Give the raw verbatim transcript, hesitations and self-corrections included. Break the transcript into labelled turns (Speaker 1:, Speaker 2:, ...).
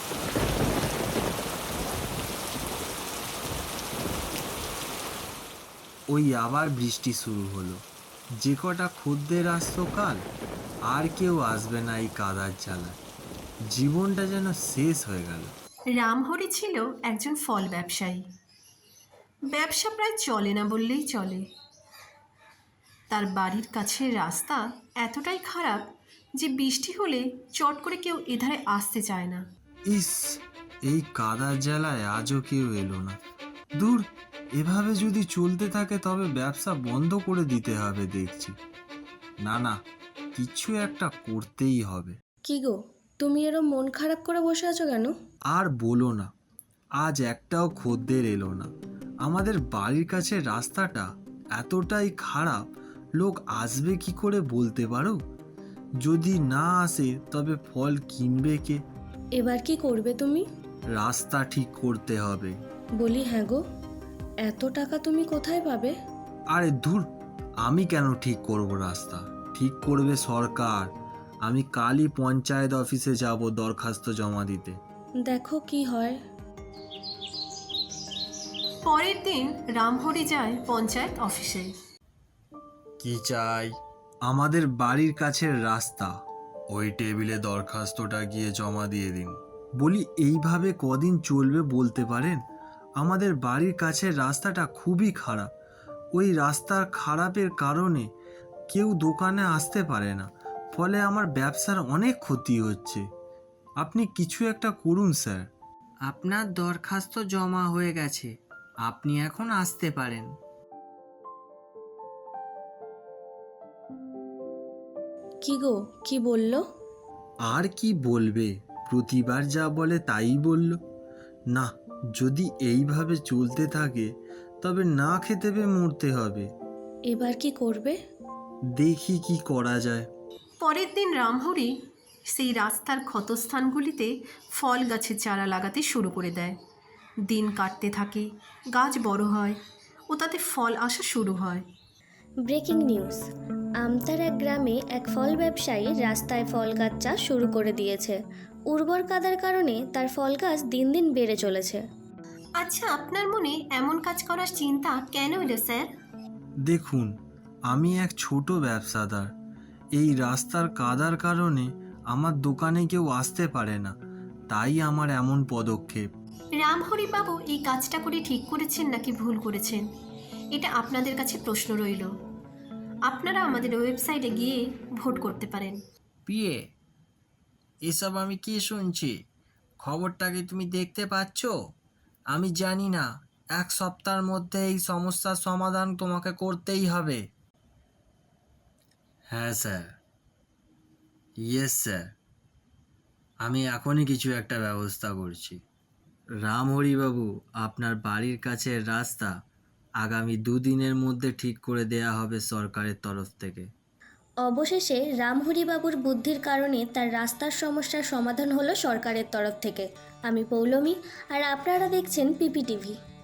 Speaker 1: ওই আবার বৃষ্টি শুরু হলো। যে কটা খদ্দের আসতো কাল, আর কেউ আসবে না এই কাদার জ্বালায়। জীবনটা যেন শেষ হয়ে গেল।
Speaker 2: রামহরি ছিল একজন ফল ব্যবসায়ী। ব্যবসা প্রায় চলে না বললেই চলে। তার বাড়ির কাছের রাস্তা এতটাই খারাপ যে বৃষ্টি হলে চট করে কেউ এধারে আসতে চায় না।
Speaker 1: ইস, এই কাদার জ্বালায় আজও কেউ এলো না। দূর, এভাবে যদি চলতে থাকে তবে ব্যবসা বন্ধ করে দিতে হবে দেখছি। না না, কিছু একটা করতেই হবে।
Speaker 3: কি গো, তুমি এরম মন খারাপ করে বসে আছো কেন?
Speaker 1: আর বলো না, আজ একটাও খদ্দের এলো না। আমাদের বাড়ির কাছে রাস্তাটা এতটাই খারাপ, লোক আসবে কি করে বলতে পারো? যদি না আসে তবে ফল কিনবে কে?
Speaker 3: এবার কি করবে তুমি?
Speaker 1: রাস্তা ঠিক করতে হবে।
Speaker 3: বলি হ্যাঁ গো, এত টাকা তুমি কোথায় পাবে?
Speaker 1: আরে ধুর, আমি কেন ঠিক করব? রাস্তা ঠিক করবে সরকার। আমি কালই পঞ্চায়েত অফিসে যাব দরখাস্ত জমা দিতে।
Speaker 3: দেখো কি হয়।
Speaker 2: পরের দিন রামহরি যায় পঞ্চায়েত অফিসে।
Speaker 1: কি চাই? আমাদের বাড়ির কাছের রাস্তা। ওই টেবিলে দরখাস্তটা গিয়ে জমা দিয়ে দিন। বলি, এইভাবে কদিন চলবে বলতে পারেন? আমাদের বাড়ির কাছের রাস্তাটা খুবই খারাপ। ওই রাস্তার খারাপের কারণে কেউ দোকানে আসতে পারে না, ফলে আমার ব্যবসার অনেক ক্ষতি হচ্ছে। আপনি কিছু একটা করুন স্যার।
Speaker 4: আপনার দরখাস্ত জমা হয়ে গেছে, আপনি এখন আসতে পারেন।
Speaker 3: কি গো, কি বললো?
Speaker 1: আর কি বলবে, প্রতিবার যা বলে তাই বলল। না, যদি এইভাবে চলতে থাকে তবে না খেতে পেয়ে মরতে হবে।
Speaker 3: এবার কি করবে?
Speaker 1: দেখি কি করা যায়।
Speaker 2: পরের দিন রামহরি সেই রাস্তার ক্ষতস্থানগুলিতে ফল গাছের চারা লাগাতে শুরু করে দেয়। দিন কাটতে থাকে, গাছ বড় হয় ও তাতে ফল আসা শুরু হয়।
Speaker 3: ব্রেকিং নিউজ, আমতার এক গ্রামে এক ফল ব্যবসায়ী রাস্তায় ফল গাছ চাষ শুরু করে দিয়েছে। উর্বর কাদার কারণে তার ফল গাছ দিন দিন বেড়ে চলেছে।
Speaker 2: আচ্ছা, আপনার মনে এমন কাজ করার চিন্তা কেন এলো স্যার?
Speaker 1: দেখুন, আমি এক ছোট ব্যবসাদার। এই রাস্তার কাদার কারণে আমার দোকানে কেউ আসতে পারে না, তাই আমার এমন পদক্ষেপ।
Speaker 2: রামহরি বাবু এই কাজটা করে ঠিক করেছেন নাকি ভুল করেছেন, এটা আপনাদের কাছে প্রশ্ন রইল। আপনারা আমাদের ওয়েবসাইটে গিয়ে ভোট করতে পারেন।
Speaker 4: পিয়ে, এসব আমি কি শুনছি? খবরটা কি তুমি দেখতে পাচ্ছ? আমি জানি না, এক সপ্তাহের মধ্যে এই সমস্যার সমাধান তোমাকে করতেই হবে।
Speaker 1: হ্যাঁ স্যার, ইয়েস স্যার, আমি এখনই কিছু একটা ব্যবস্থা করছি। রামহরিবাবু, আপনার বাড়ির কাছের রাস্তা আগামী দুদিনের মধ্যে ঠিক করে দেয়া হবে সরকারের তরফ থেকে।
Speaker 3: অবশেষে রামহরিবাবুর বুদ্ধির কারণে তার রাস্তার সমস্যার সমাধান হলো সরকারের তরফ থেকে। আমি পৌলমী, আর আপনারা দেখছেন পিপি টিভি।